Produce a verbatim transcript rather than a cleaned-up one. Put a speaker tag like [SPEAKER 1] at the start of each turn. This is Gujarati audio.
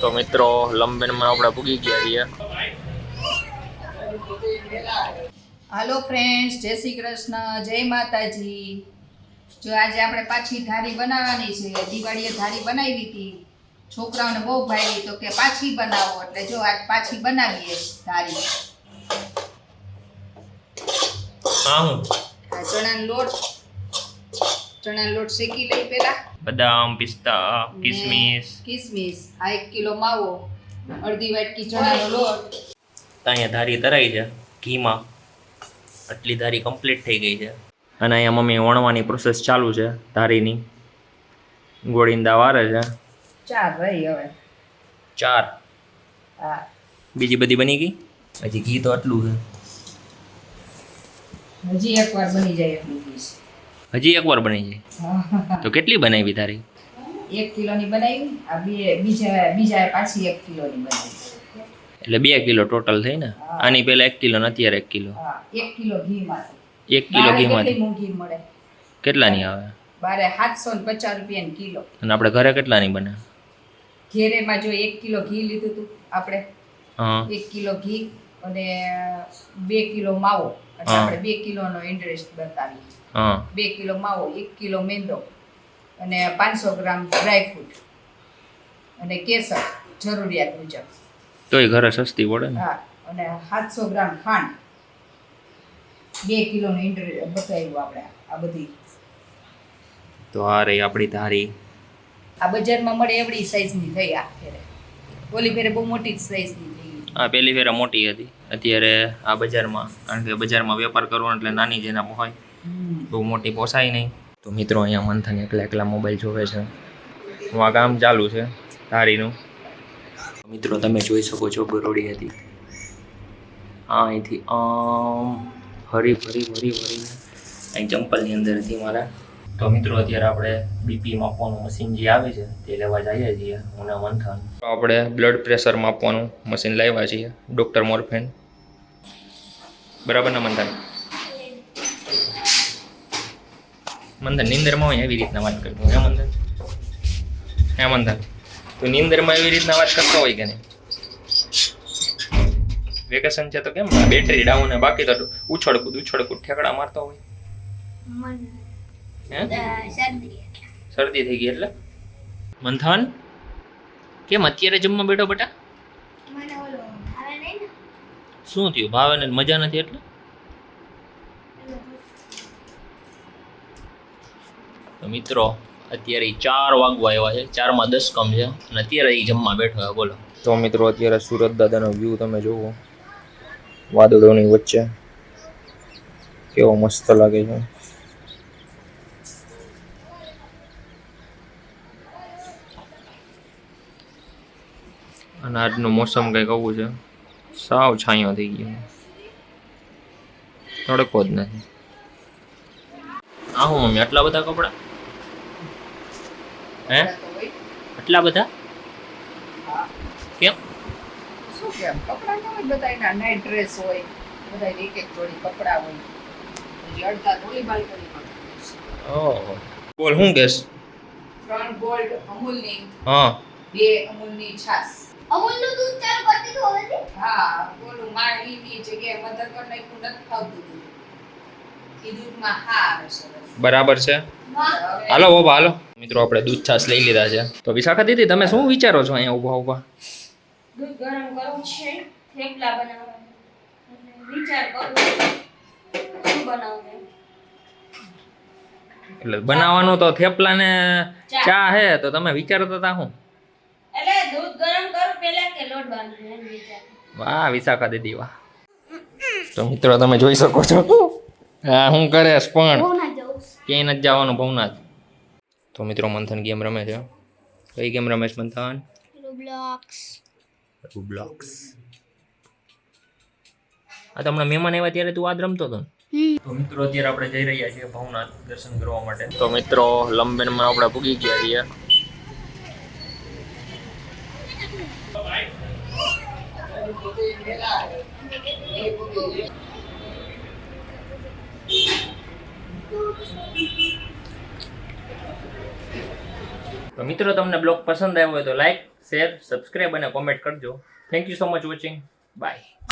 [SPEAKER 1] તો મિત્રો લંબેનમાં આપણે પૂગી ગયા છીએ.
[SPEAKER 2] હાલો ફ્રેન્ડ્સ, જય શ્રી કૃષ્ણ, જય માતાજી. જો આજે આપણે પાછી ધારી બનાવવાની છે. દિવાળીએ ધારી બનાવી હતી, છોકરાઓને બહુ ભાવી તો કે પાછી બનાવો, એટલે જો આજ પાછી બનાવીએ ધારી.
[SPEAKER 1] હા હું
[SPEAKER 2] આ ચણાનો લોટ ચણાનો લોટ શેકી લઈ પેલા.
[SPEAKER 1] બદામ, પિસ્તા, કિસમિસ.
[SPEAKER 2] કિસમિસ આ એક કિલો માવો, અડધી વાટકી ચણાનો લોટ.
[SPEAKER 1] અહીંયા ધારી તરાઈ છે ઘીમાં. આટલી ધારી કમ્પ્લીટ થઈ ગઈ છે અને અહીંયા મમ્મી વણવાની પ્રોસેસ ચાલુ છે ધારીની. ગોળીંદા વારે છે.
[SPEAKER 2] ચાર રહી હવે.
[SPEAKER 1] ચાર.
[SPEAKER 2] હા,
[SPEAKER 1] બીજી બધી બની ગઈ. હજી ઘી તો આટલું છે.
[SPEAKER 2] હજી એકવાર બની જાય એટલું ઘી છે.
[SPEAKER 1] હજી એકવાર બની જાય તો કેટલી બનાવી ધારી?
[SPEAKER 2] એક કિલોની બનાવી. આ બે બીજા બીજા પાછી એક કિલોની બનાવી.
[SPEAKER 1] એટલે બે કિલો ટોટલ થઈ ને. આની પહેલા એક કિલો ને અત્યારે એક કિલો.
[SPEAKER 2] હા, એક કિલો ઘીમાંથી.
[SPEAKER 1] એક કિલો ઘીમાંથી
[SPEAKER 2] કેટલી મોંઘી મળે?
[SPEAKER 1] કેટલાની આવે?
[SPEAKER 2] બારે સાતસો ને પચાસ રૂપિયાની કિલો.
[SPEAKER 1] અને આપણે ઘરે કેટલાની બને?
[SPEAKER 2] ઘેરેમાં જો એક કિલો ઘી લીધું હતું આપણે.
[SPEAKER 1] હા,
[SPEAKER 2] એક કિલો ઘી અને બે કિલો માવો. એટલે આપણે બે કિલોનો ઇન્ટરેસ્ટ બતાવીએ.
[SPEAKER 1] હા,
[SPEAKER 2] બે કિલો માવો, એક કિલો મેંદો અને પાંચસો ગ્રામ ડ્રાયફ્રૂટ અને કેસર જરૂરિયાત મુજબ.
[SPEAKER 1] તોય ઘરે સસ્તી પડે ને.
[SPEAKER 2] હા, અને સાતસો ગ્રામ ખાંડ. બે કિલોનો ઇન્ટરેસ્ટ બતાવ્યું આપણે આ બધી.
[SPEAKER 1] તો આ રહી આપણી ધારી.
[SPEAKER 2] આ બજારમાં મળે એવડી સાઈઝની થઈ આ ફેરે. ઓલી ફેરે બહુ મોટી સાઈઝની થઈ.
[SPEAKER 1] આ પહેલી ફેરા મોટી હતી. અત્યારે આ બજારમાં, કારણ કે બજારમાં વેપાર કરવાનો એટલે નાની જેના હોય, બહુ મોટી પોસાય નહીં. તો મિત્રો અહીંયા મંથન એકલા એકલા મોબાઈલ જોવે છે. હું આ કામ ચાલુ છે ધારીનું. મિત્રો તમે જોઈ શકો છો ગરોડી હતી. આ અહીંથી આમ હરી ભરી ભરી ભરીને અહીં ચંપલની અંદર હતી મારા. તો મિત્રો અત્યારે આપણે બીપી માપવાનું મશીન જે આવે છે તે લેવા જઈએ છીએ હું ને મંથન. તો આપણે બ્લડ પ્રેશર માપવાનું મશીન લાવ્યા છીએ, ડૉક્ટર મોરફેન. બરાબર ને મંથન? મંથન નિંદરમાં હોય એવી રીતના વાત કરતો હે મંથન? હે મંથન, તું નિંદરમાં એવી રીતના વાત કરતો હોય કે નહીં? વેકેશન છે તો કેમ બેટરી ડાઉન ને બાકી તો ઉછળકૂદ ઉછળકૂદ ઠેકડા મારતો હોય? હે, શરદી થઈ ગઈ એટલે? મંથન કેમ અત્યારે જમવા બેઠો બેટા? શું થયું? ભાવે ને મજા નથી એટલે? તો મિત્રો અત્યારે ચાર વાગવા આવ્યા છે, ચારમાં દસ કમ છે અને અત્યારે એ જમવા બેઠો છે. બોલો. તો મિત્રો અત્યારે સુરત દાદાનો વ્યૂ તમે જુઓ, વાદળોની વચ્ચે કેવો મસ્ત લાગે છે. અને આજનું મોસમ કંઈક આવું છે, સાવ છાંયો થઈ ગયો, તડકો જ નથી. આ હું મમ્મી આટલા બધા કપડા? હે, આટલા બધા કેમ?
[SPEAKER 2] શું કેમ? કપડાં ન હોય બધાયના, નાઇટ ડ્રેસ હોય, બધાય એક એક જોડી કપડાં હોય. હજી અડધા ધોળી બાલ્કનીમાં.
[SPEAKER 1] ઓહો, બોલ શું કેસ?
[SPEAKER 2] ત્રણ ગોલ્ડ અમૂલની,
[SPEAKER 1] હા,
[SPEAKER 2] બે અમૂલની છાસ.
[SPEAKER 3] અમૂલનું દૂધ ચાલુ કરતી તો હવે
[SPEAKER 2] હા, બોલું માળીની જગ્યાએ મધર કર નાખ્યું, નથી ખાવતું દૂધ. એ દૂધમાં હા આવે સરસ.
[SPEAKER 1] બરાબર છે. હાલો બાબા હાલો. મિત્રો આપણે દૂધ છાશ લઈ લીધા છે. તો વિશાખા દીદી તમે શું વિચારો છો અહીંયા ઊભા ઊભા?
[SPEAKER 3] દૂધ ગરમ કરવું છે, થેપલા બનાવવાના. વિચાર કરું શું બનાવવું.
[SPEAKER 1] એટલે બનાવવાનું તો થેપલા ને ચા હે, તો તમે વિચારો તો તા હું?
[SPEAKER 3] એટલે દૂધ ગરમ કરું પહેલા કે લોટ બાંધું એમ વિચાર.
[SPEAKER 1] વાહ વિશાખા દીદી વાહ. તો મિત્રો તમે જોઈ શકો છો હા હું કરેશ પણ ક્યાંય નથી જવાનું ભવનાથ. તો મિત્રો મંથન ગેમ રમે છે. કઈ ગેમ રમેશ મંથન?
[SPEAKER 3] રોબ્લોક્સ.
[SPEAKER 1] રોબ્લોક્સ. આ તો હમણાં મહેમાન આવ્યા ત્યારે તું આ જ રમતો હતો ને? તો મિત્રો અત્યારે આપણે જઈ રહ્યા છીએ ભવનાથ દર્શન કરવા માટે. તો મિત્રો લંબેનમાં આપણે પૂગી ગયા છીએ. તો મિત્રો તમને બ્લોગ પસંદ આવ્યો હોય તો લાઈક શેર સબસ્ક્રાઈબ અને કોમેન્ટ કરજો. Thank you so much watching. By.